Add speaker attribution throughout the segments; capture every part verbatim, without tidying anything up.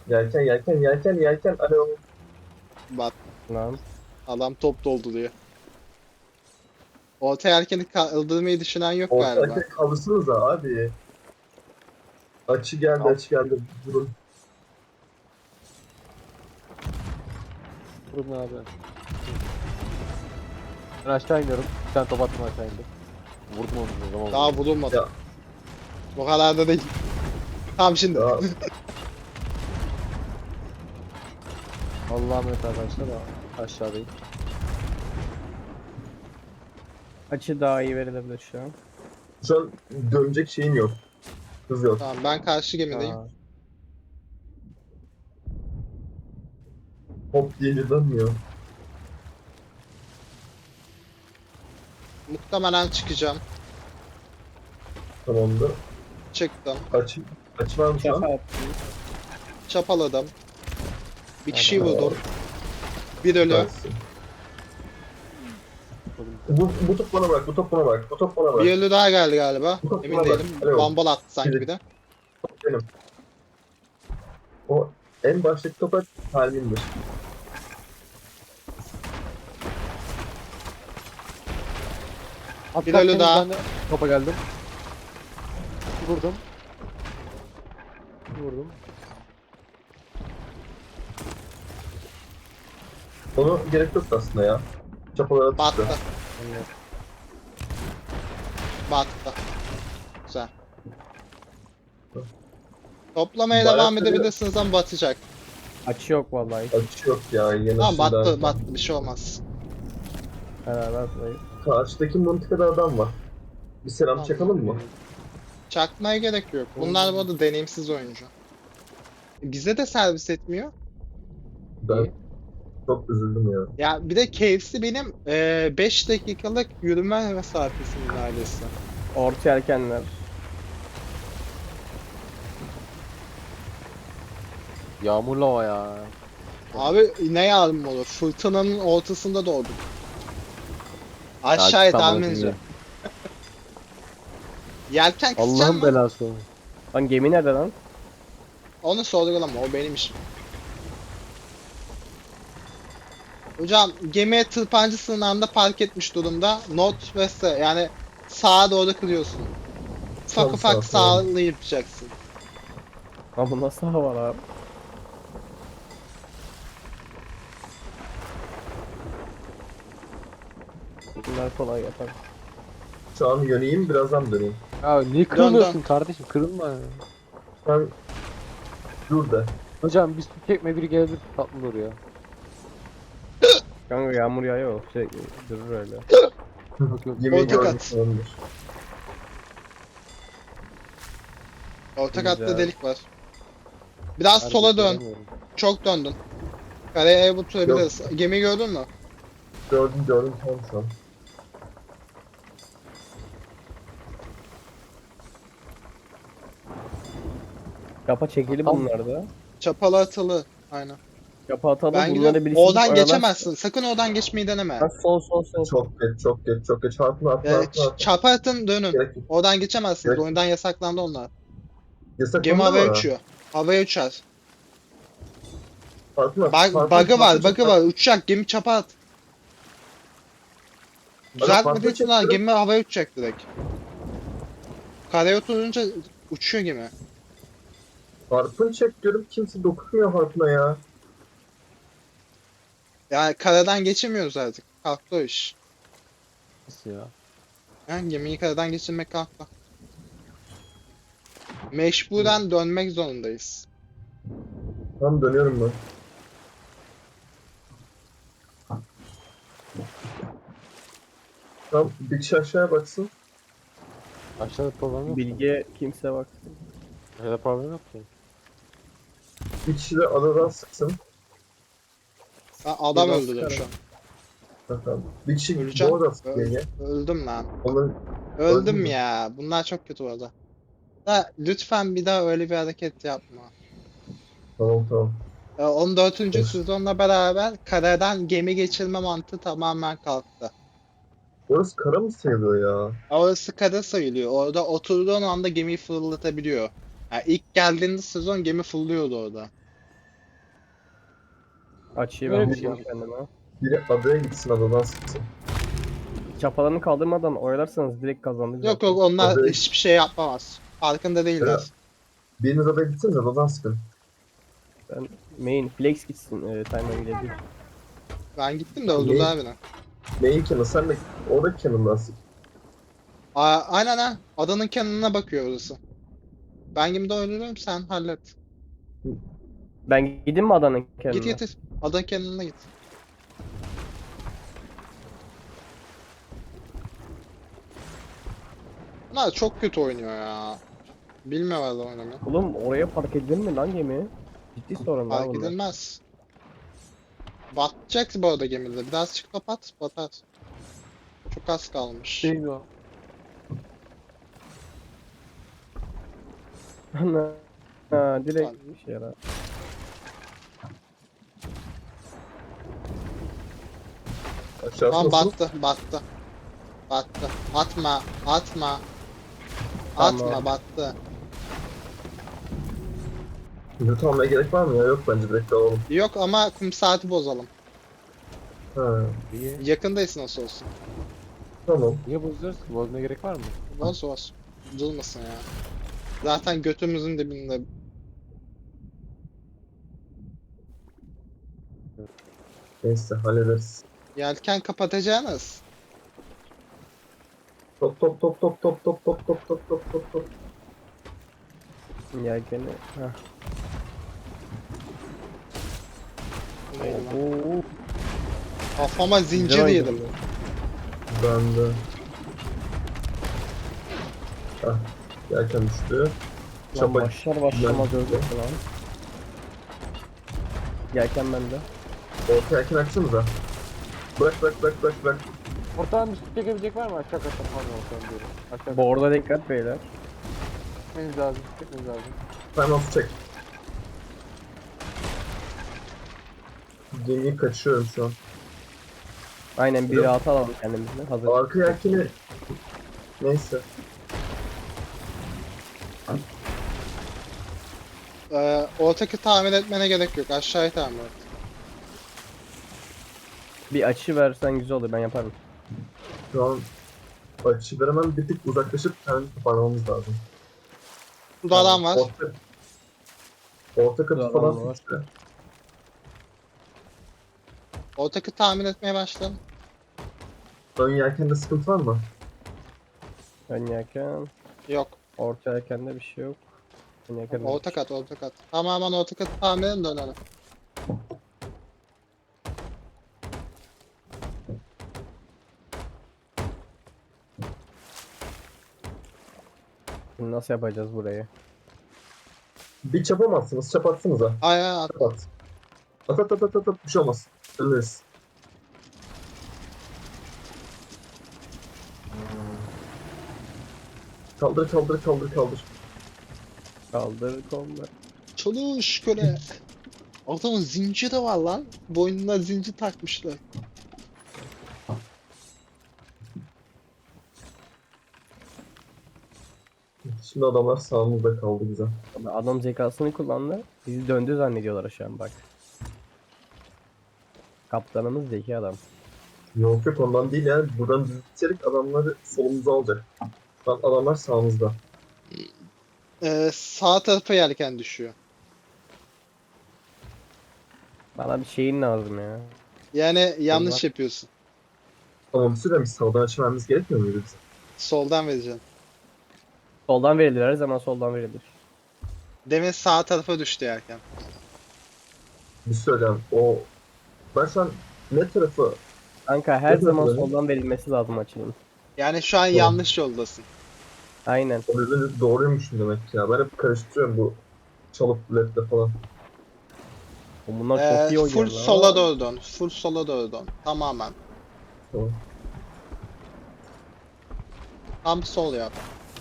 Speaker 1: Yelken yelken yelken yelken. Alo.
Speaker 2: Bak
Speaker 3: Lan.
Speaker 2: adam top doldu diyor. Orta yelkeni kaldırmayı düşünen yok
Speaker 1: Orta
Speaker 2: galiba.
Speaker 1: yelken kaldırsanıza abi. Açı geldi
Speaker 3: Al.
Speaker 1: açı geldi. Durun.
Speaker 3: Durun abi. Ben aşağı iniyorum. Bir tane top attım aşağı indim. Vurdum onu o zaman.
Speaker 2: Daha vurulmadı.
Speaker 1: Ya.
Speaker 2: O kadar da değil. Tamam şimdi.
Speaker 1: Ya,
Speaker 3: Allah'a emanet arkadaşlar. Aşağıdayım.
Speaker 4: Açı daha iyi verilebilir şu an.
Speaker 1: şu an dönecek şeyim yok. Hız yok.
Speaker 2: Tamam ben karşı gemideyim.
Speaker 3: Aa,
Speaker 1: Hop deyince dönmüyor.
Speaker 2: Muhtemelen çıkacağım.
Speaker 1: Tamamdır.
Speaker 2: Çıktım.
Speaker 1: Açı, açı var mı şu
Speaker 4: Şaka
Speaker 1: an?
Speaker 4: attım.
Speaker 2: Çapaladım. Bir kişiyi
Speaker 1: Hadi.
Speaker 2: vurdum. Bir ölü.
Speaker 1: Versin. Bu, bu top bana bırak, bu top bana bırak, bu top bana bırak.
Speaker 2: Bir ölü daha geldi galiba.
Speaker 1: Bu top
Speaker 2: Emin
Speaker 1: bana bak.
Speaker 2: değilim.
Speaker 1: Alo.
Speaker 2: Bambal attı sanki
Speaker 1: Biri-
Speaker 2: bir de.
Speaker 1: Benim. O en baştaki topa kalbimdir.
Speaker 3: At,
Speaker 2: Bir
Speaker 3: at,
Speaker 2: ölü
Speaker 3: temiz,
Speaker 2: daha.
Speaker 3: ben de Topa geldim. Vurdum. Vurdum.
Speaker 1: Onu gerek yok aslında ya. Çapalara
Speaker 2: Battı.
Speaker 1: tuttu.
Speaker 3: Evet.
Speaker 2: Battı. Güzel. Toplamaya
Speaker 1: Bayağı
Speaker 2: devam
Speaker 1: seviyor.
Speaker 2: edebilirsiniz ama batacak.
Speaker 4: Açı yok vallahi.
Speaker 1: Açı yok ya. Yine
Speaker 2: Tamam battı
Speaker 1: şuradan-
Speaker 2: battı bir şey olmaz.
Speaker 4: Beraber burayı.
Speaker 1: Karşıdaki mıntıkada adam var. Bir selam
Speaker 2: Tamam.
Speaker 1: çakalım mı?
Speaker 2: Çakmaya gerek yok. Bunlar bu arada deneyimsiz oyuncu. Bize de servis etmiyor.
Speaker 1: Ben çok üzüldüm ya.
Speaker 2: Ya bir de K F C benim beş dakikalık yürüme mesafesinin neredeyse.
Speaker 4: Orta yelkenler.
Speaker 3: Yağmurlu hava ya.
Speaker 2: Abi ne yardım olur? Fırtınanın ortasında doğduk. Aşağıya
Speaker 3: Tamam,
Speaker 2: tahmince.
Speaker 3: şimdi.
Speaker 2: Yelken kısacağım
Speaker 3: Allah'ın
Speaker 2: mı?
Speaker 3: belası.
Speaker 4: Lan gemi nerede lan?
Speaker 2: Onu sorgulama, o benim işim. Hocam gemi tırpancı sınırında park etmiş durumda. North west'e yani sağa doğru kırıyorsun. Ufak
Speaker 1: Tam
Speaker 2: ufak
Speaker 1: sağ, tamam.
Speaker 2: sağlı yapacaksın.
Speaker 4: Lan bu nasıl hava var abi? Bunlar kolay yapar.
Speaker 1: Şu an yöneyim, birazdan döneyim.
Speaker 3: Ya niye kırılmıyorsun kardeşim? Kırılma ya.
Speaker 1: Sen dur de.
Speaker 3: Hocam biz çekme biri gelebilir tatlı olur ya.
Speaker 4: Kanka yağmur yağıyor. Sürekli durur öyle.
Speaker 3: Yok, yok.
Speaker 1: Yemeği
Speaker 2: Orta
Speaker 1: gördüm
Speaker 2: kat.
Speaker 1: sanırım.
Speaker 2: Orta
Speaker 4: Güzel.
Speaker 2: katta delik var. Biraz
Speaker 3: Harbi
Speaker 2: sola dön.
Speaker 3: göremiyorum.
Speaker 2: Çok döndün. Kareye oturabiliriz. Gemi gördün mü?
Speaker 1: Gördüm gördüm tamam şu an.
Speaker 4: Yapa çekili
Speaker 3: Tamam.
Speaker 4: bunlar da.
Speaker 2: Çapalı atılı. Aynen.
Speaker 4: Yapa atalım
Speaker 2: Ben
Speaker 4: bunları
Speaker 2: gidiyorum.
Speaker 4: birisi
Speaker 2: Oradan
Speaker 4: aralar-
Speaker 2: geçemezsin. Sakın oradan geçmeyi deneme.
Speaker 4: Lan sol sol sol.
Speaker 1: Çok geç çok geç çok geç. Harpına harpına
Speaker 2: Ee,
Speaker 1: harpına.
Speaker 2: ç- çapa atın dönün.
Speaker 1: Gerek yok.
Speaker 2: Oradan geçemezsiniz.
Speaker 1: Gerek-
Speaker 2: Oyundan yasaklandı onlar.
Speaker 1: Yasak
Speaker 2: Gemi
Speaker 1: mı?
Speaker 2: havaya uçuyor. Havaya uçar.
Speaker 1: Harpına.
Speaker 2: Bug,
Speaker 1: harpına-
Speaker 2: bug'ı var,
Speaker 1: harpına-
Speaker 2: bug'ı var. Uçacak, gemi çapa at. Düzeltmediği için ha,
Speaker 1: çekiyorum.
Speaker 2: gemi havaya uçacak direkt. Karaya oturunca uçuyor gemi.
Speaker 1: Harpın çek diyorum, kimse dokunmuyor harpına ya.
Speaker 2: Yani karadan geçemiyoruz artık. Kalktı o iş.
Speaker 3: Nasıl ya?
Speaker 2: Yani gemiyi karadan geçirmek kalktı. Mecburen dönmek zorundayız.
Speaker 1: Tamam dönüyorum ben. Tamam bir kişi aşağıya baksın.
Speaker 3: Aşağıda problem yok.
Speaker 4: Bilge kimse bak.
Speaker 3: Aşağıda problem yok ki.
Speaker 1: Bir kişi de adadan sıksın.
Speaker 2: Ben adam
Speaker 4: Biraz
Speaker 2: öldürdüm şu an.
Speaker 1: Tamam. Bir kişi
Speaker 2: Öleceğim.
Speaker 1: bu adadan sıksın
Speaker 2: Öl-
Speaker 1: yenge.
Speaker 2: öldüm lan.
Speaker 1: Onun
Speaker 2: Öldüm
Speaker 1: Öldün mü?
Speaker 2: ya. Bunlar çok kötü bu arada. Da, lütfen bir daha öyle bir hareket yapma.
Speaker 1: tamam tamam.
Speaker 2: Ee, on dördüncü
Speaker 1: Of.
Speaker 2: sezonla beraber karadan gemi geçirme mantığı tamamen kalktı.
Speaker 1: Orası kara mı sayılıyor ya?
Speaker 2: Orası kara sayılıyor. Orada oturduğun anda gemiyi fırlatabiliyor. Yani ilk geldiğinde sezon gemi fırlıyordu orada.
Speaker 4: Açıyı
Speaker 3: Öyle
Speaker 4: ben
Speaker 3: bir şey
Speaker 4: buldum kendime.
Speaker 1: Biri adaya gitsin adadan sıksın.
Speaker 4: Çapalarını kaldırmadan oyalarsanız direkt kazandık
Speaker 2: Yok
Speaker 4: zaten.
Speaker 2: yok onlar
Speaker 1: Tabii.
Speaker 2: hiçbir şey yapamaz. Farkında değiller.
Speaker 1: Biriniz adaya gitsiniz adadan sıkın.
Speaker 4: Ben main flex gitsin. E, timer gidebilir.
Speaker 2: Ben gittim de öldürdüler beni.
Speaker 1: Main cannon sen de oradaki cannon'dan sık.
Speaker 2: Aa, aynen ha. Adanın kenarına bakıyor orası. Ben gemide öldürüyorum sen hallet.
Speaker 4: Ben gideyim mi adanın
Speaker 2: Git
Speaker 4: kendine?
Speaker 2: git. Adanın kenarına git. Bunlar çok kötü oynuyor ya. Bilmiyorlar da oynamayı.
Speaker 4: Oğlum oraya park edilir mi lan gemi? Ciddi sorun daha
Speaker 2: Fark
Speaker 4: bunlar.
Speaker 2: edilmez. Batacak bu arada gemide. Biraz çık kapat, batar. Çok az kalmış.
Speaker 3: Değil o.
Speaker 4: Ana. Ha, direkt bir şey yarar.
Speaker 1: Aşağısı
Speaker 2: Tamam
Speaker 1: nasıl?
Speaker 2: battı, battı. Battı. Atma, atma.
Speaker 4: Tamam.
Speaker 2: Atma, battı.
Speaker 1: Loot almaya gerek var mı ya? Yok bence direkt alalım.
Speaker 2: Yok ama kum saati bozalım.
Speaker 1: Ha,
Speaker 3: Niye?
Speaker 2: Yakındayız nasıl olsun.
Speaker 1: tamam.
Speaker 3: Niye bozuyoruz? Bozmaya gerek var mı?
Speaker 2: Boz boz. Bozulmasın ya. Zaten götümüzün dibinde.
Speaker 1: Neyse hallederiz.
Speaker 2: Yelken kapatacağınız.
Speaker 1: Top top top top top top top top top top top top.
Speaker 4: Yelkeni. Heh.
Speaker 2: Eyvallah.
Speaker 4: Oo.
Speaker 2: Kafama zincir
Speaker 4: Güzel
Speaker 2: yedim.
Speaker 4: oynadı.
Speaker 1: Ben de. Ah, yelken düştü.
Speaker 4: Lan
Speaker 1: Çapa.
Speaker 4: başlar başlamaz
Speaker 1: Ben-
Speaker 4: öldü lan. Yelken bende.
Speaker 1: Orta yelken açsanıza. Bırak bırak bırak bırak bırak.
Speaker 3: Ortadan bir su çekebilecek var mı? Aşağı kata pardon ortadan diyorum. Aşağı
Speaker 4: Bu arada dikkat beyler.
Speaker 3: çekmeniz lazım. Çekmeniz lazım.
Speaker 1: Time out çek. Gemiyi kaçıyorum şu an.
Speaker 4: Aynen bir rahat alalım kendimize. Hazır.
Speaker 1: Arka yelkeni... Neyse.
Speaker 2: Ee, ortaki tamir etmene gerek yok. Aşağıyı tamir et.
Speaker 4: Bir açı versen güzel olur ben yaparım.
Speaker 1: Şu an açı veremem, bir tık uzaklaşıp kendimizi toparlamamız lazım.
Speaker 2: Burada adam var.
Speaker 1: Orta, orta katı
Speaker 4: Burada
Speaker 1: falan
Speaker 4: adam var.
Speaker 1: sıçra.
Speaker 2: Ortaki tamir etmeye başlayalım.
Speaker 1: Ön yelkende sıkıntı var mı?
Speaker 4: Ön yelken.
Speaker 2: Yok.
Speaker 4: Orta yelkende bir şey yok. Ön yelken.
Speaker 2: Orta kat, orta kat. Tamamen orta katı tamir edin dönelim.
Speaker 4: Şimdi nasıl yapacağız burayı?
Speaker 1: Bir çapamazsınız, çap atsanıza.
Speaker 2: Ay ay at.
Speaker 1: Çap at. At at at at at, at. Bir şey olmaz. Ölürüz. Kaldır kaldır kaldır kaldır.
Speaker 4: Kaldır kollar.
Speaker 2: Çalış köle. Adamın zinciri var lan. Boynuna zincir takmışlar.
Speaker 1: Şimdi adamlar sağımızda kaldı güzel.
Speaker 4: Adam zekasını kullandı. Bizi döndü zannediyorlar şu an bak. Kaptanımız zeki adam.
Speaker 1: Yok yok ondan değil yani. Buradan düz gidecek adamları solumuza alacak. Şu an adamlar sağımızda.
Speaker 2: Ee, sağ tarafa yelken düşüyor.
Speaker 4: Bana bir şeyin lazım ya.
Speaker 2: Yani yanlış
Speaker 4: Allah.
Speaker 2: yapıyorsun.
Speaker 1: Tamam bir süre biz sağdan açmamız gerekmiyor muydu bize?
Speaker 2: Soldan vereceksin.
Speaker 4: Soldan verilir her zaman soldan verilir.
Speaker 2: Demin sağ tarafa düştü yelken.
Speaker 1: Bir söyleyeyim o... Ben şu an ne tarafı...
Speaker 4: Kanka her
Speaker 1: Ne
Speaker 4: zaman
Speaker 1: böyle?
Speaker 4: soldan verilmesi lazım açının.
Speaker 2: Yani şu an
Speaker 1: Tamam.
Speaker 2: yanlış yoldasın.
Speaker 4: Aynen.
Speaker 1: O yüzden doğruymuşum demek ki ya. Ben hep karıştırıyorum bu çalıp lefte falan.
Speaker 4: O bunlar
Speaker 2: Ee,
Speaker 4: çok iyi oynuyor
Speaker 2: full
Speaker 4: lan.
Speaker 2: sola doğru dön. Full sola doğru dön. Tamamen.
Speaker 1: Tamam.
Speaker 2: Tam sol yap.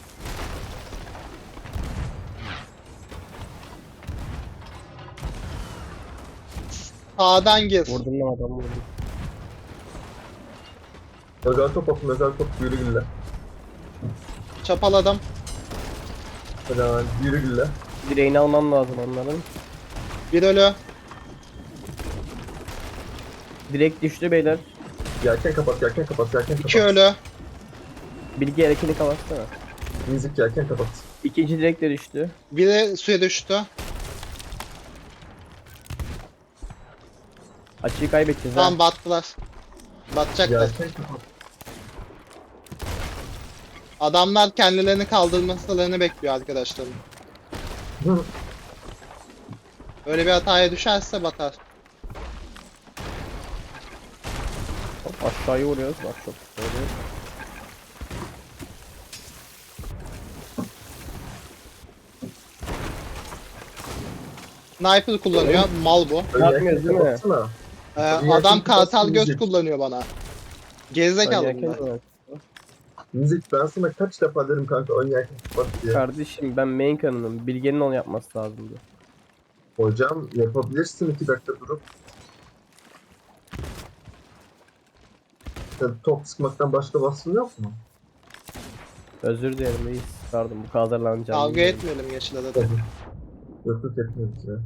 Speaker 2: Sağdan gir.
Speaker 4: Vurdum lan adamı vurdum.
Speaker 1: Özel top atın, özel top yürü gülle.
Speaker 2: Çapaladım.
Speaker 1: Helal, yürü gülle.
Speaker 4: Direğini almam lazım onların.
Speaker 2: Bir ölü.
Speaker 4: Direkt düştü beyler.
Speaker 1: Yelken kapat, yelken kapat, yelken kapat.
Speaker 2: İki ölü.
Speaker 4: Bilgi hareketini kapatsana.
Speaker 1: Müzik yelken kapat.
Speaker 4: İkinci direkt de düştü.
Speaker 2: Biri suya düştü.
Speaker 4: Açıyı kaybedeceğiz ha.
Speaker 2: Tamam battılar. Batacaklar.
Speaker 1: Yelken kapat.
Speaker 2: Adamlar kendilerini kaldırmalarını bekliyor arkadaşlarım.
Speaker 1: Hı.
Speaker 2: Öyle bir hataya düşerse batar.
Speaker 4: Hop, aşağıya vuruyoruz. Bak çok güzel oluyor.
Speaker 2: Sniper kullanıyor. Mal bu.
Speaker 1: Ön
Speaker 4: Yapmıyoruz
Speaker 1: yelken
Speaker 4: değil mi?
Speaker 1: kapatsana.
Speaker 2: Ee,
Speaker 1: Yelken
Speaker 2: adam kartal
Speaker 1: kapatsın,
Speaker 2: göz
Speaker 1: müzik.
Speaker 2: kullanıyor bana. Gerizekalı
Speaker 4: Yelken
Speaker 2: bunlar.
Speaker 4: var.
Speaker 1: Müzik ben sana kaç defa derim kanka ön yelken kapat diye.
Speaker 4: Kardeşim ben main kanalım. Bilge'nin onu yapması lazımdı.
Speaker 1: Hocam yapabilirsin iki dakika durup. Sen top sıkmaktan başka vasfın yok mu?
Speaker 4: Özür dilerim reis. Pardon bu kadar hazırlanacağım.
Speaker 2: Kavga etmeyelim Yeşil'e de.
Speaker 1: Tabii. Yok yok etmiyoruz ya.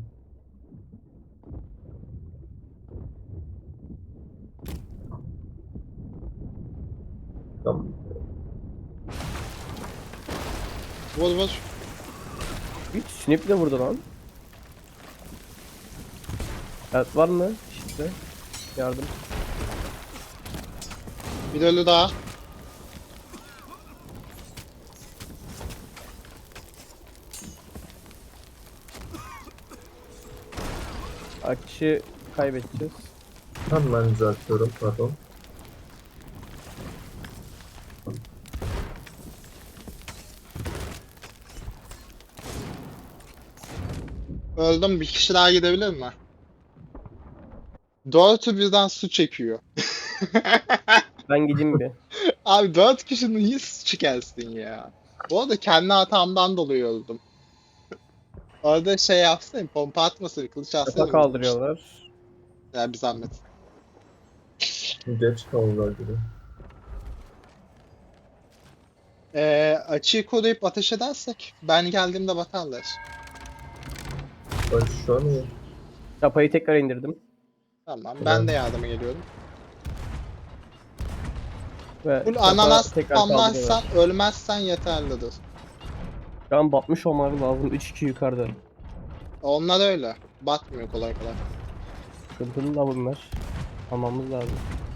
Speaker 1: Tamam.
Speaker 2: Vur vur.
Speaker 4: Hiç snip de vurdu lan. Evet var mı? İşte. Yardım.
Speaker 2: Bir ölü daha.
Speaker 4: Akışı kaybedeceğiz.
Speaker 1: Hemen düzeltiyorum pardon.
Speaker 2: Öldüm. Bir kişi daha gidebilir mi? Dördü birden su çekiyor.
Speaker 4: Ben gideyim bir.
Speaker 2: Abi dört kişinin niye su çekersin ya? Bu arada kendi hatamdan dolayı öldüm. Orada şey yapsın, pompa atmasın, kılıç atsın.
Speaker 4: Kafa kaldırıyorlar.
Speaker 2: Ya bir zahmet.
Speaker 1: Geç kaldılar gibi.
Speaker 2: Ee, açıyı koruyup ateş edersek ben geldiğimde batarlar.
Speaker 1: Ben şu an iyi.
Speaker 4: Çapayı tekrar indirdim.
Speaker 2: Tamam ben de yardıma geliyorum.
Speaker 4: Ve
Speaker 2: Full
Speaker 4: çapa
Speaker 2: ananas
Speaker 4: tekrar
Speaker 2: spamlarsan
Speaker 4: kaldırıyorlar.
Speaker 2: ölmezsen yeterlidir.
Speaker 4: Şu an batmış olmaları lazım. üç iki yukarıda.
Speaker 2: Onlar öyle. Batmıyor kolay kolay.
Speaker 4: Sıkıntılı da bunlar. Almamız lazım.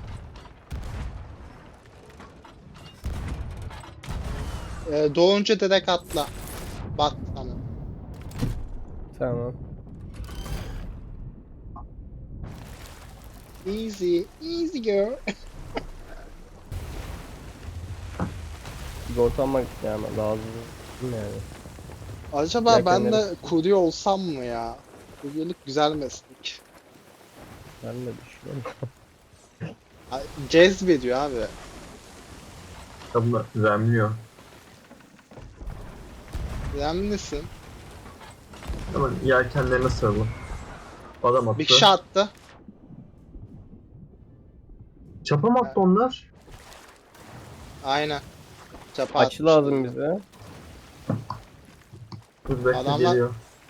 Speaker 2: Ee, doğunca direkt atla. Bat tamam.
Speaker 4: Tamam.
Speaker 2: Easy, easy girl.
Speaker 4: Sigorta almak yani lazım yani.
Speaker 2: Acaba ben de
Speaker 4: Yelkenleri-
Speaker 2: kurye olsam mı ya? Kuryelik güzel meslek.
Speaker 4: Ben de düşünüyorum.
Speaker 2: Ay, Cezbediyor abi.
Speaker 1: Tabii remliyor.
Speaker 2: Önemlisin.
Speaker 1: Hemen yelkenlerine sarılın. Adam attı.
Speaker 2: Bir kişi attı.
Speaker 1: Çapa mı attı onlar?
Speaker 2: Aynen. Çapa
Speaker 4: Açı
Speaker 2: atmıştı.
Speaker 4: lazım bize.
Speaker 1: Dur bekle
Speaker 2: Adamlar-
Speaker 1: geliyor.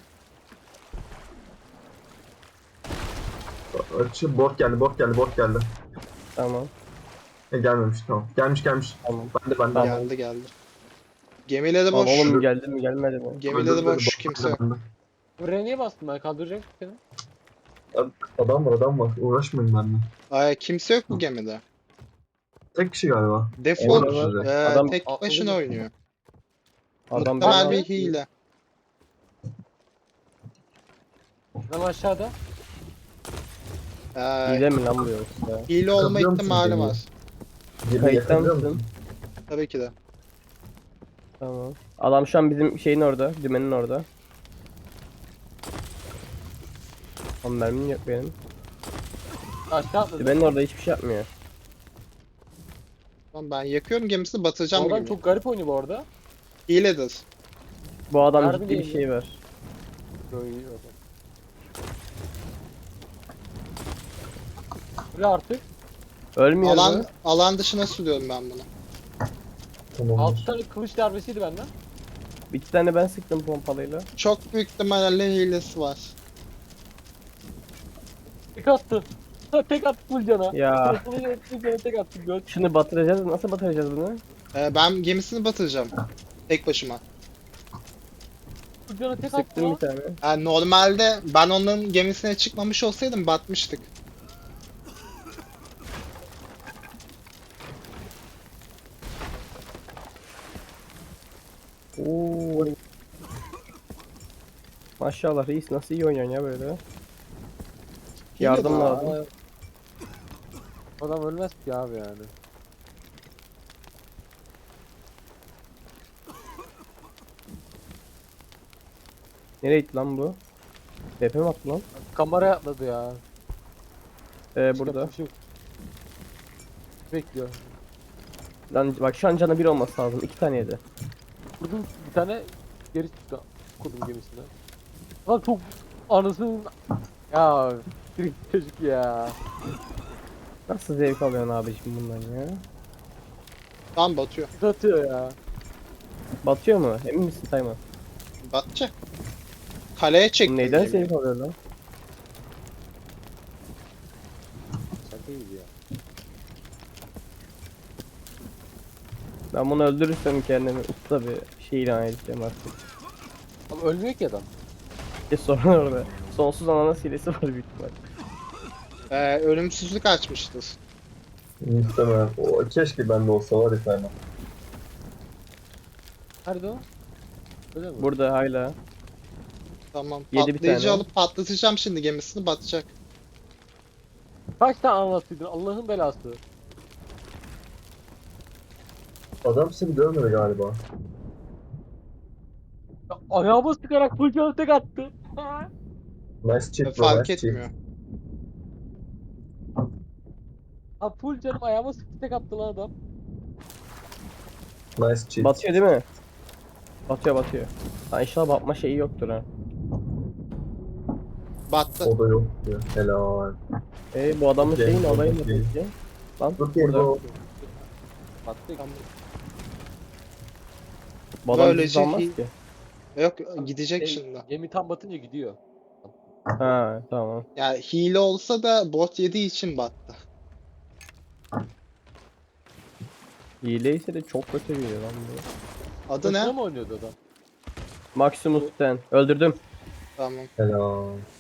Speaker 1: Açı bot geldi, bot geldi, bot geldi.
Speaker 4: Tamam.
Speaker 1: E, gelmemiş tamam. Gelmiş gelmiş.
Speaker 4: Tamam.
Speaker 1: Ben de ben de.
Speaker 2: Geldi geldi. Gemileri
Speaker 4: Tamam
Speaker 2: boş.
Speaker 4: oğlum geldi mi gelmedi mi?
Speaker 2: Gemileri
Speaker 1: Öldürdü,
Speaker 2: boş
Speaker 1: bot
Speaker 2: kimse
Speaker 1: geldi,
Speaker 2: yok.
Speaker 1: ben de.
Speaker 3: Buraya niye bastın ben kaldıracak seni?
Speaker 1: Adam var adam var. Uğraşmayın benimle.
Speaker 2: Ay, kimse yok bu gemide.
Speaker 1: Tek kişi galiba.
Speaker 2: Defol.
Speaker 1: Olur size.
Speaker 2: Ee,
Speaker 4: Adam-
Speaker 2: tek
Speaker 3: Aa,
Speaker 2: başına
Speaker 3: olur.
Speaker 2: oynuyor.
Speaker 4: Adam
Speaker 2: Muhtemel
Speaker 4: beni-
Speaker 2: bir hile.
Speaker 3: Adam aşağıda.
Speaker 2: Ee,
Speaker 4: Hile mi lan bu yoksa?
Speaker 2: hile olma
Speaker 1: Katılıyor musun
Speaker 2: ihtimali
Speaker 1: gemiye?
Speaker 2: var.
Speaker 1: Gemi
Speaker 4: Kayıttan
Speaker 1: yakalıyor
Speaker 4: mısın?
Speaker 1: musun?
Speaker 2: Tabii ki de.
Speaker 4: Tamam. Adam şu an bizim şeyin orada, dümenin orada. Ama mermim yok benim.
Speaker 3: Aşağı atladı.
Speaker 4: Dümenin orada hiçbir şey yapmıyor.
Speaker 2: Tamam, ben yakıyorum gemisini
Speaker 3: O
Speaker 2: batıracağım bu
Speaker 3: adam
Speaker 2: gemiyi.
Speaker 3: çok garip oynuyor bu arada.
Speaker 2: Hiledir.
Speaker 4: Bu adam
Speaker 3: Harbi
Speaker 4: ciddi bir
Speaker 3: değil
Speaker 4: şey var.
Speaker 3: Böyle iyi o zaman. Böyle artık.
Speaker 4: Ölmüyor
Speaker 2: Alan
Speaker 4: mu?
Speaker 2: alan dışına sürüyorum ben bunu.
Speaker 1: Tamam.
Speaker 3: altı tane kılıç darbesiydi benden.
Speaker 4: İki tane ben sıktım pompalıyla.
Speaker 2: Çok büyük ihtimalle hilesi var.
Speaker 3: İlk attı. Ha, tek attı full cana.
Speaker 4: Ya
Speaker 3: Full cana tek attı. Göt.
Speaker 4: şunu batıracağız. Nasıl batıracağız bunu?
Speaker 2: Ee, ben gemisini batıracağım. Tek başıma.
Speaker 3: Full cana tek attı
Speaker 4: Sıktım bir
Speaker 3: lan.
Speaker 4: tane.
Speaker 2: Yani normalde ben onların gemisine çıkmamış olsaydım batmıştık.
Speaker 4: Oo. Maşallah reis nasıl iyi oynuyorsun ya böyle. Yardım
Speaker 2: Hile de
Speaker 4: lazım.
Speaker 3: Aa, adam ölmez ki abi yani.
Speaker 4: Nereye gitti lan bu? D P mi attı lan?
Speaker 3: Kameraya atladı ya.
Speaker 4: Ee, burada.
Speaker 3: Yapmış yok. Bekliyor.
Speaker 4: Lan bak şu an canı bir olması lazım. İki tane yedi.
Speaker 3: Vurdum bir tane geri çıktı. Kurdum gemisine. Lan çok anasının... Ya bir çocuk ya.
Speaker 4: Nasıl zevk alıyorsun abiciğim bundan ya?
Speaker 2: Tam batıyor.
Speaker 3: Sis atıyor ya.
Speaker 4: Batıyor mu? Emin misin Tayman?
Speaker 2: Batacak. Kaleye çektim
Speaker 4: Neyden
Speaker 2: gemiyi.
Speaker 4: zevk alıyor lan?
Speaker 3: Şaka gibi ya.
Speaker 4: Ben bunu öldürürsem kendimi usta bir şey ilan edeceğim artık.
Speaker 3: Ama ölmüyor ki adam.
Speaker 4: Bir sorun orada. Sonsuz ananas hilesi var büyük ihtimal.
Speaker 2: Ee, ölümsüzlük açmıştır.
Speaker 1: Muhtemelen. O, keşke bende olsa var ya Tayman.
Speaker 3: Nerede o? Öyle mi?
Speaker 4: Burada hala.
Speaker 2: Tamam.
Speaker 4: Yedi bir
Speaker 2: Patlayıcı
Speaker 4: tane.
Speaker 2: alıp patlatacağım şimdi gemisini batacak.
Speaker 3: Kaç tane anlatıydın Allah'ın belası.
Speaker 1: Adam seni görmedi galiba.
Speaker 3: Ya, ayağıma sıkarak full canı tek attı. Ha.
Speaker 1: Nice chip bro,
Speaker 2: Fark
Speaker 1: nice chip.
Speaker 2: etmiyor.
Speaker 3: Ha full canım ayağıma sıktı tek attı lan adam.
Speaker 1: Nice chip.
Speaker 4: Batıyor değil mi? Batıyor batıyor. Ha inşallah batma şeyi yoktur ha.
Speaker 2: Battı.
Speaker 1: O da yok diyor. Helal.
Speaker 4: E bu adamın
Speaker 1: Gel,
Speaker 4: şeyin olayı ne
Speaker 1: gel.
Speaker 4: peki? Lan
Speaker 1: Dur diye
Speaker 4: burada.
Speaker 1: bro.
Speaker 3: Battı.
Speaker 4: Bu adam
Speaker 2: Böylece
Speaker 4: bizi almaz
Speaker 2: iyi.
Speaker 4: ki.
Speaker 2: Yok gidecek
Speaker 3: Şey,
Speaker 2: şimdi.
Speaker 3: Gemi tam batınca gidiyor.
Speaker 4: Ha tamam.
Speaker 2: Yani hile olsa da bot yediği için battı.
Speaker 4: Hile ise de çok kötü bir lan bu.
Speaker 2: Adı
Speaker 3: Başına
Speaker 2: ne?
Speaker 3: mı oynuyordu adam?
Speaker 4: Maximus ten. Öldürdüm.
Speaker 2: Tamam.
Speaker 1: Helal.